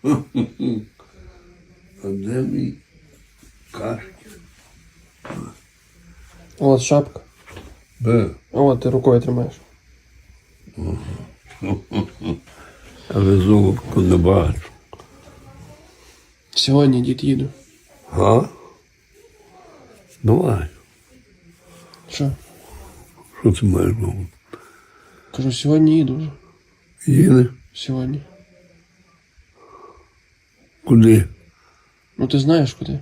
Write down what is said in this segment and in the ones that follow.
А де мій кашки? От шапка. Де? От ти рукою тримаєш. Але золотку не бачу. Сьогодні дід їду. А? Давай. Що? Що ти маєш на увазі? Кажу, сьогодні їду вже. Їде? Сьогодні. Куди? Ну ти знаєш куди?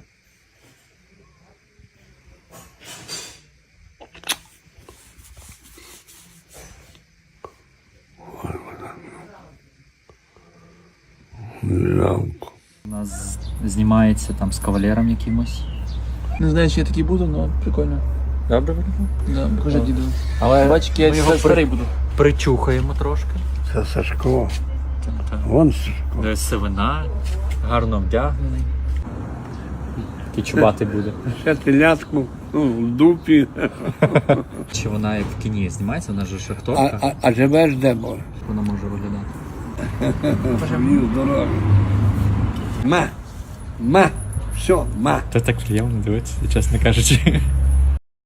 Жалко. У нас знімається там з кавалером якимось. Не знаю, чи я такий буду, але прикольно. Добре виглядає? Да, покажи діду. Але Бач, який ми я його старий буду. причухаємо трошки. Це Сашко. Вон Сашко. Де сивина, гарно вдягнений. Такий чубатий буде. Ще телятку в дупі. Чи вона як в кіні знімається, вона ж шахторка. А живеш де, бо? Вона може виглядати. Живів здоров'я. Ма. Все, ма. Та так приємно дивитися, чесно кажучи.